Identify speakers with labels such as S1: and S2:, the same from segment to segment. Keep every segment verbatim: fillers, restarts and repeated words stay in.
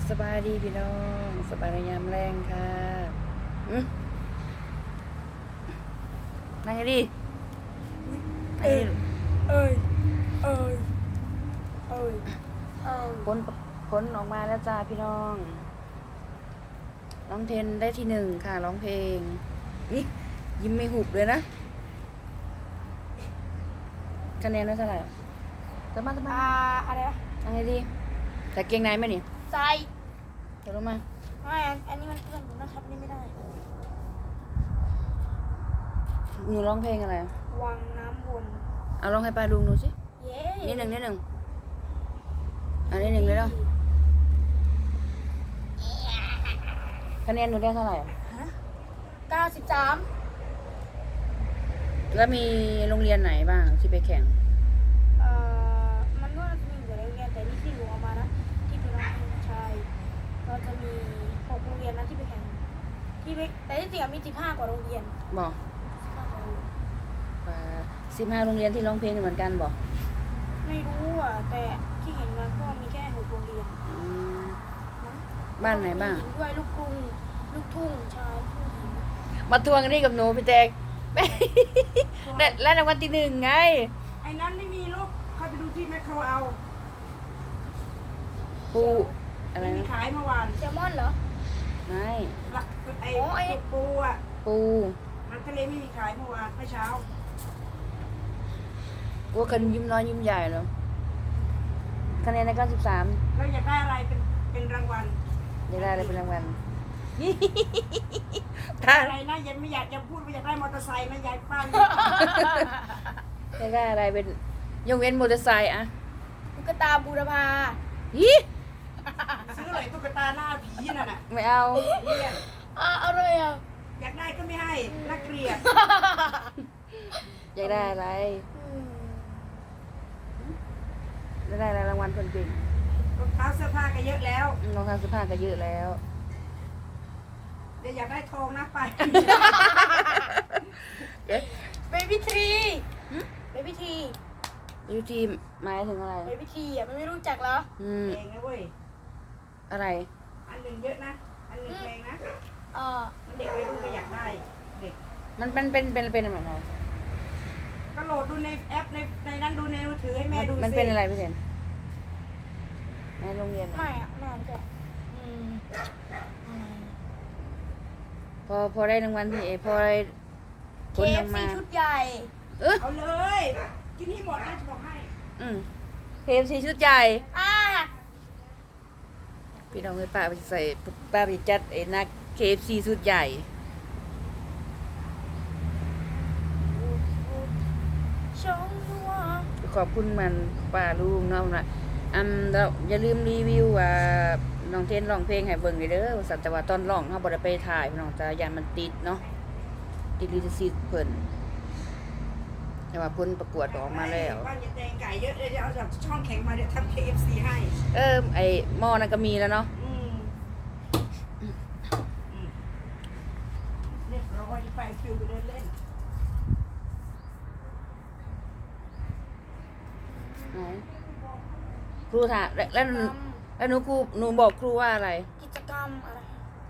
S1: สบายดีพี่น้องสบายในยามแรงค่ะอืมนั่งให้ดีนั่งให้ดี
S2: เอ้ย เอ้ย เอ้ย เอ้ย
S1: ผลผลออกมาแล้วจ้าพี่น้องร้องเทนได้ที่หนึ่งค่ะร้องเพลงนี่ยิ้มไม่หุบเลยนะคะแนนได้เท่าไหร่จะมาจะมา
S2: อ่า อะไรนะ
S1: นั่งให้ดีแต่เกงในไหมนี่
S2: ใจ
S1: เดี๋ยวลงมา
S2: ไม่อันนี้มันเพื่อนหนูนะครับนี่ไม่ได้
S1: หนูร้องเพลงอะไร
S2: วังน้ำวน
S1: เอาร้องให้ป้าลุงดูสิ
S2: เย้
S1: นิดหนึ่งนิดหนึ่งอันนี้หนึ่งเลยเนาะคะแนนหนูได้เท่าไหร่
S2: ฮะเก้าสิบสาม
S1: แล้วมีโรงเรียนไหนบ้างที่ไปแข่ง
S2: เอ่อ มันก็จะมีอยู่ในโรงเรียนแต่นี่ที่หนูเอามานะ ที่เป็นโรงเรียนชายก็จะมีหกโรงเรียนนะที่ไปแข่ง ที่ไปแต่ที่จริงอะมีสิบห้ากว่าโรงเรียน
S1: บอก
S2: สิบห้ากว่าโรงเรียน
S1: สิบห้าโรงเรียนที่ร้องเพลงเหมือนกันบอก
S2: ไม่รู้อ่ะ แต่ที่เห็นมาก็มีแค่หกโรงเรียน
S1: อืม
S2: มั้ง
S1: บ้านไหนบ้าง
S2: มีญิด้วยลูกกรุง ลูกทุ่งชายผู้หญิง
S1: มาทวงกันนี่กับหนูพี่แตก และและรางวัลที่หนึ่งไง
S3: ไอ้นั้นไม่มีลูกเข้าไปดูที่แมคโครเอา
S1: ปูอะไร
S3: ไม่มี
S1: นะ
S3: ขายเมื่อวาน
S2: แซลมอนเหรอ
S1: ไม่
S3: ละไอ้
S2: อ๋อไอ้
S3: จุกปูอ่ะ
S1: ปู
S3: มันทะเลไม่มีขายเมื่อวานเมื่อเช้า
S1: ว่าคนยิ้มน้อยยิ้มใหญ่แล้วคะแนนในเก้าสิบสาม
S3: แล้วอยากได้อะไรเป็นเป็นรางวัล
S1: จะได้อะไรเป็นรางวัล ถ้า
S3: อะไรนะยังไม่อยากจะพูดว่าอยากได้มอเตอร์ไซค์นะยายป้า
S1: จะได้อะไรเป็นยกเว้นมอเตอร์ไซค์อะ
S2: ตุ๊กตาบูรพา
S1: ฮิ
S3: ซื้อเลยตุ๊กตาหน้าผีนั่นน่ะ
S1: ไม่เอา
S3: เนี่ย
S2: อ่าอะไรอ่ะ
S3: อยากได้ก็ไม่ให้น่าเกลียด
S1: อยากได้อะไร
S2: อืม
S1: จะได้อะไรรางวัลคนเก่ง
S3: รองเท้าเสื้อผ้าก็เยอะแล้ว
S1: อืมรองเท้าเสื้อผ้าก็เยอะแล้ว
S3: เดี๋ยวอยากได้ทองนะไป
S2: เบบี้ทรีเบบี้ทรี
S1: ยูทีหมายถึงอะไร
S2: เบบี้ทรีอ่ะมันไม่รู้จักเหรอ
S1: อืม
S3: เองนะเว้ย
S1: อะไร
S3: อันหนึ่งเยอะนะ อันหนึ่งแพงนะ
S2: เออ
S3: มันเด็กวัยรุ่นก็อยากได้ เด็ก
S1: มันเป็นเป็นเป็นเป็นอะไร
S3: ก็โหลดดูในแอปในในนั้นดูในมือถือให้แม่ดูสิ
S1: มันเป็นอะไรพี่เซนในโรงเรียนเหรอ
S2: ไม่อ่ะไม่อ่านแกอืมอืม
S1: พอพอได้รางวัลที่เอพอได้ผ
S2: เค
S1: ลอ
S2: ฟ
S1: อก
S2: ซี
S1: มา
S2: ชุดใหญ่
S1: เออ
S3: เอาเลย กินให้หมดนะจะบอกให้
S1: อืมเคฟซีชุดใหญ่
S2: อ่า
S1: พี่น้องให้ป้าไปใส่ป้าไปจัดไอ้นักเคฟซีชุดใหญ่
S2: ชงหัว
S1: ขอบคุณมันป้าลุงเนาะนะอันเราอย่าลืมรีวิวว่าน้องเทนร้องเพลงให้เบิ่งเด้อสัตว์แต่ว่าตอนร้องเฮาบ่ได้ไปถ่ายพี่น้องจ้ายานมันติดเนาะติดลิขสิทธิ์เพิ่นแต่ว่าผลประกวดออกมาแล้ว
S3: บ้านยายแตงไก่เยอะเลยเดี๋ยวเอาจากช่องแข็งมาเดี๋ยวทำ เค เอฟ ซี ให้
S1: เออไอ้หม้อนั่นก็มีแล้วเนาะ
S3: อืมอืมเรียบร้อยไปฟิวไปเดินเล่น
S1: ไหนครูถามแล้วแล้วหนูแล้วหนูครูหนูบอกครูว่าอะไร
S2: กิจกรรมอะไร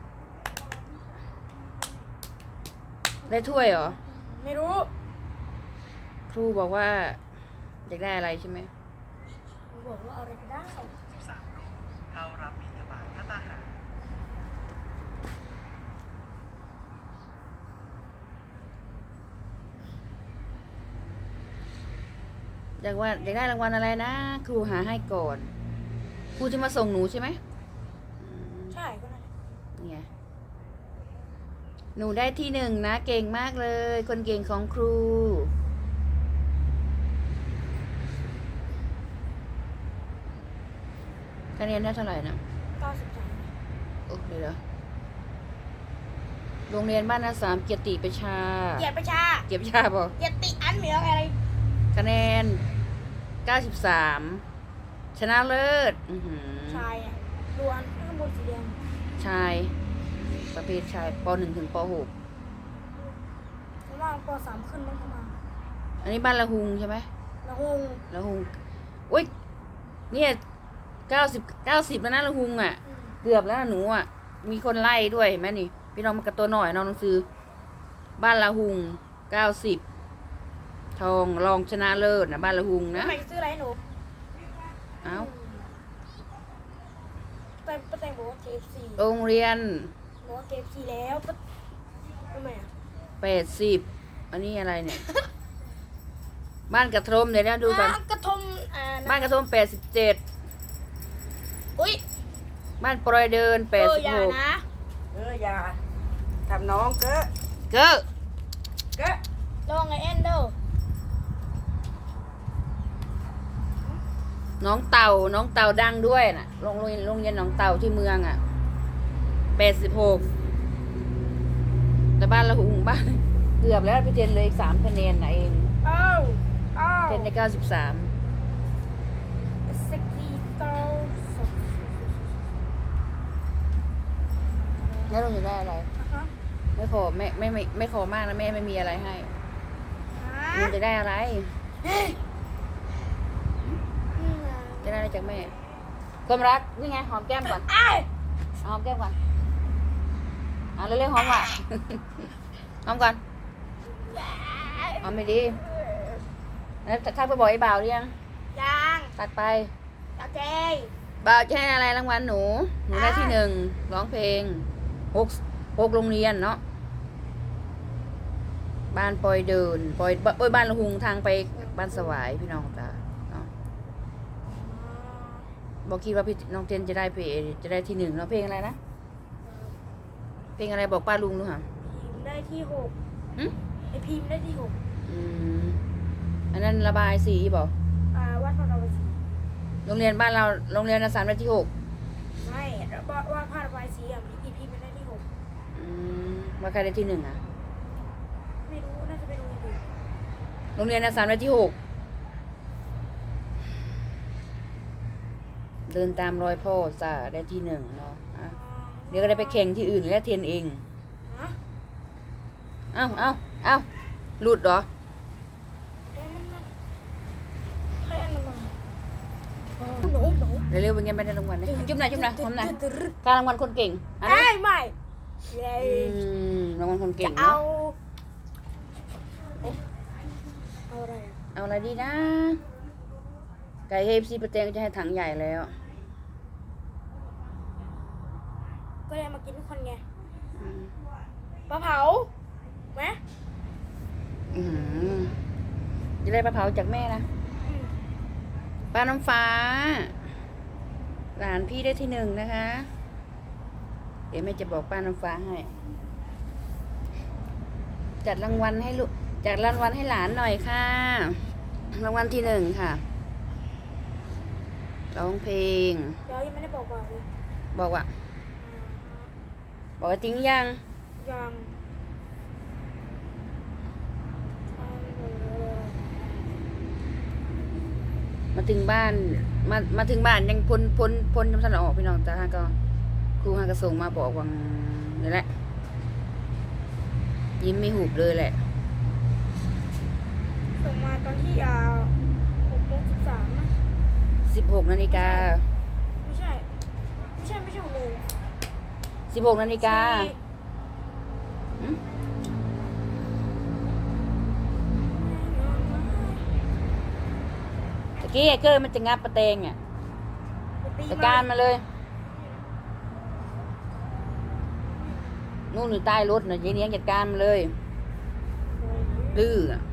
S1: ได้ถ้วยเหรอ
S2: ไม่รู้
S1: ครูบอกว่าอยากได้อะไรใช่ไหม
S2: บอกว่าอะไรก็ได้
S4: สามรูปเข้ารับบิณฑบาตพระตาหาร
S1: อยากว่าอยากได้รางวัลอะไรนะ ครูหาให้ก่อน ครูจะมาส่งหนูใช่ไหมอืม
S2: ใช่ก็นั่นแหละ
S1: เนี่ยหนูได้ที่หนึ่งนะ เก่งมากเลย คนเก่งของครู คะแนนได้เท่าไหร่นะ
S2: เก้าสิบสาม
S1: โอ้เดี๋ยวโรงเรียนบ้านนาสามเกียรติประชา
S2: เหยียดประชา
S1: เกียรติประชาบอก
S2: เหยียดติอันเหมียวอะไร
S1: คะแนนเก้าสิบสามชนะเลิศอื้อหือ
S2: ชายอ่ะดวนข้างบนสีแดง
S1: ชาย ประเภทชายปหนึ่งถึงปหก
S2: ข้างล่างปสามขึ้นมั้งเข้ามา
S1: อันนี้บ้านละหุงใช่ไหม
S2: ละหง
S1: ละหุงอุ้ยเนี่ยเก้าสิบเก้าสิบแล้วนะละหุงอ่ะ
S2: อืม
S1: เกือบแล้วนะหนูอ่ะมีคนไล่ด้วยเห็นไหมนี่พี่น้องมันกับตัวหน่อยน้องหนังสือบ้านละหุงเก้าสิบทองรองชนะเลิศนะบ้านละหุงนะ
S2: ทำไมซื้ออะไรให้หนู
S1: เอ้า
S2: แต่ป้าแตงบอกว่า เค เอฟ ซี
S1: โรงเรียน
S2: บอกว่า เค เอฟ ซี แล้วป้าทำไมอ่ะ
S1: แปดสิบอันนี้อะไรเนี่ย บ้านกระทรมเดี๋ยวนะดูกัน
S2: อ่ะกระทงอ่า
S1: บ้านกระทรมแปดสิบเจ็ด
S2: อุ้ย
S1: บ้านปลอยเดินแปด
S2: เออ
S1: สิบ
S2: อย่า
S1: หก
S2: นะ
S3: เอออย่าทำน้องเก้อ
S1: เก้อ
S3: เก้อ
S2: ลองไอแอนเดอร์
S1: น้องเต่าน้องเต่าดังด้วยน่ะโรงเรียนโรงเรียนน้องเต่าที่เมืองอ่ะแปดสิบหกแต่บ้านละหุงบ้าน เกือบแล้วพี่เทนเลยอีกสามคะแนนนะเอง
S2: อ้าวอ้าว
S1: เทนในเก้าสิบสาม
S2: สกีโตสอง
S1: แล้วเราจะได้อะไร
S2: ฮะ
S1: ไม่ขอไม่ไม่ไม่ไม่ขอมากนะแม่ไม่มีอะไรให้
S2: ฮะ
S1: หนูจะได้อะไร
S2: เฮ้ยนี่ไง
S1: จะได้อะไรจากแม่ความรักนี่ไงหอมแก้มก่อน
S2: อ้าย
S1: เอาหอมแก้มก่อนเอาเร็วๆหอมว่ะ หอมก่อนหอมไม่ดีแล้วจะทักไปบอกไอ้บ่าวหรือยัง
S2: ยัง
S1: ตัดไป
S2: โอเค
S1: บ่าวจะให้อะไรรางวัลหนู หนูได้ที่หนึ่งร้องเพลงหกหกโรงเรียนเนาะบ้านปอยเดินปอยปอยบ้านละหุงทางไปบ้านสวายพี่น้องจ้าเนาะบอกคิดว่าพี่น้องเจนจะได้เพลงจะได้ที่หนึ่งเนาะเพลงอะไรนะเพลงอะไรบอกป้าลุงดูค่ะ
S2: พิมพ์ได้ที่หก
S1: หึ
S2: ไอพิมพ์ได้ที่หก
S1: อืมอันนั้นระบายสีบอก
S2: อ่าวัดพระนครศรี
S1: โรงเรียนบ้านเราโรงเรียนอสามได้ที่หก
S2: ไม่วัดวัดพระนครศรีอ่ะมีอีพิมพ์ได้ที่หก
S1: อืมว่าใครได้ที่หนึ่งอ่ะ
S2: ไม่รู้น่าจะเป็นโรงเรียนอื่น
S1: โรงเรียนอสามได้ที่หกเดินตามรอยพ่อจ่าได้ที่หนึ่งเนาะอ่ะเดี๋ยวก็ได้ไปแข่งที่อื่นแล้วเทนเอง
S2: ฮะ
S1: เอ้าเอ้าเอ้าหลุดเหรอ
S2: เอ๊ะมันมันใครอันนั้นมาหนูหนู
S1: เร็วๆเป็นไงไม่ได้รางวัลนะจุ๊บหน่อยจุ๊บหน่อยหอมหน่อย
S2: ตึ๊ดตึ๊ด
S1: การรางวัลคนเก่งอัน
S2: เอ้
S1: นั้น
S2: ยไม่เย้
S1: อืมรางวัลคนเก่
S2: จะ
S1: ง
S2: เอา
S1: เนาะ
S2: เอ๊ะเอาอะไรอ่ะ
S1: เอาอะไรดีนะไก่เฮฟซีประเตงก็จะให้ถังใหญ่แล้ว
S2: ก็เลยมากินทุกคนไง
S1: อืม
S2: ปลาเผาไหม
S1: อืมจะได้ปลาเผาจากแม่นะ
S2: อืม
S1: ป้าน้ำฟ้า หลานพี่ได้ที่หนึ่งนะคะ เดี๋ยวแม่จะบอกป้าน้ำฟ้าให้ จัดรางวัลให้ลูกจัดรางวัลให้หลานหน่อยค่ะ รางวัลที่หนึ่งค่ะร้องเพลง
S2: เดี๋ยวยังไม่ได้บอกบอกเลย
S1: บอกว่า บอกว่าจริงยัง
S2: ยังอ่าเออ
S1: มาถึงบ้าน มามาถึงบ้านยังพ้นพ้นพ้นจำสันออกพี่น้องจ้าก็ครูฮากระส่งมาบอกว่านี่แหละ ยิ้มไม่หุบเลยแหละ
S2: ส่งมาตอนที่อ่าหกโมงสิบสามนะ
S1: สิบหกนาฬิกา
S2: ไม่ใช่ ไม่ใช่ไม่ใช่หกโมง
S1: สิบหกนาฬิกา
S2: สี่
S1: อืมตะกี้ไอ้เกอร์มันจะงับประเตงอ่ะ
S2: ตี
S1: จัดการมาเลย นู่นอยู่ใต้รถน่ะยายเนี้ยงจัดการมาเลยดื้ออ่ะ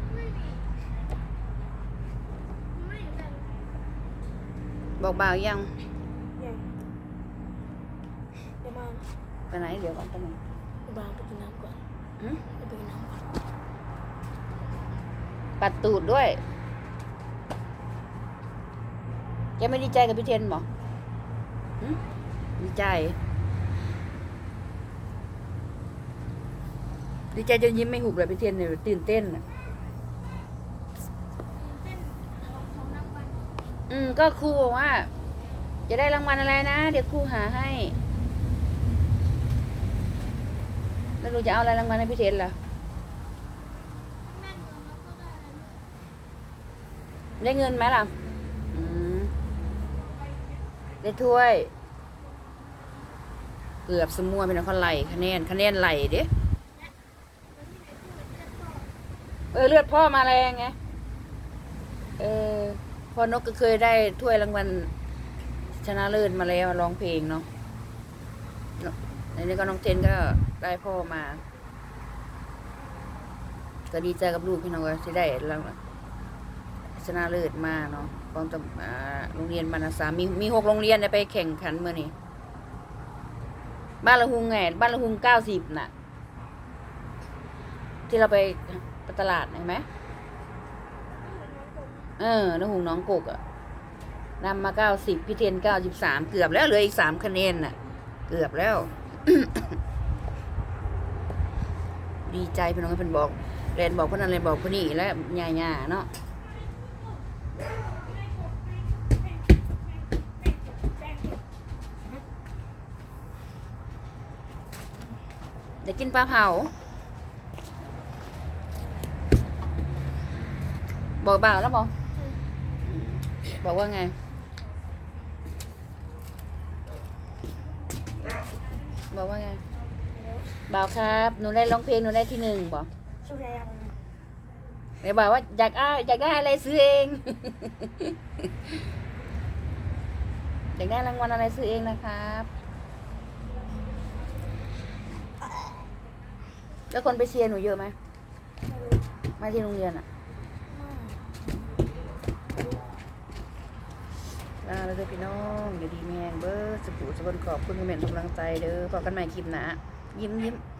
S1: บอกบ่าวยัง
S2: ยังเดี๋ยวมา
S1: ไปไหนเดี๋ยวก่อนไปไหน
S2: เดี๋ยวมาไปกินน้ำก่อน
S1: หึ
S2: เดี๋ยวไปกินน้ำก่อน
S1: ปัดตูดด้วยแกไม่ดีใจกับพี่เทนหรอหึดีใจ ดีใจจนยิ้มไม่หุบเลยพี่เทนเนี่ยตื่นเต้นอ่ะอืมก็ครูบอกว่า จะได้รางวัลอะไรนะ เดี๋ยวครูหาให้ แล้วหนูจะเอาอะไรรางวัลให้พี่เทนล่ะ ได้เงินไหมล่ะ อืม ได้ถ้วยเกือบสมัวเป็นคนไหลคะแนนคะแนนไหลเด้เออเลือดพ่อมาแรงไงเออพ่อนกก็เคยได้ถ้วยรางวัลชนะเลิศมาแล้วร้องเพลงเนาะในนี้ก็น้องเทนก็ได้พ่อมาก็ดีใจกับลูกพี่น้องว่าที่ได้รางวัลชนะเลิศมาเนาะของตำอ่าโรงเรียนบรรณสามมีมีหกโรงเรียนได้ไปแข่งขันเมื่อนี้บ้านละหุงไงบ้านละหุงเก้าสิบน่ะ ที่เราไปไปตลาดเห็นไหมเออละหุงน้องกกอะนำมาเก้าสิบพี่เทนเก้าสิบสามเกือบแล้วเหลืออีกสามคะแนนน่ะ เกือบแล้ว ดีใจพี่น้องเป็นบอกเรนบอกคนนั้นเรนบอกคนนี้และยาย่าเนาะเดี๋ยวกินปลาเผาบอกบ่าวแล้วบอกบอกว่าไงบอกว่าไงบ่าวครับหนูได้ร้องเพลงหนูได้ที่หนึ่งบอก
S2: ช่วยยัง
S1: เดี๋ยวบอกว่าอยากอ้าอยากได้อะไรซื้อเอง อยากได้รางวัลอะไรซื้อเองนะครับแล้วคนไปเชียร์หนูเยอะไหมมาที่โรงเรียนอะลาแล้วเด้อพี่น้องอยู่ดีแม่งเบอร์สปูสบนขอบคุณคอมเมนต์กำลังใจเด้อพบกันใหม่คลิปหน้ายิ้มยิ้ม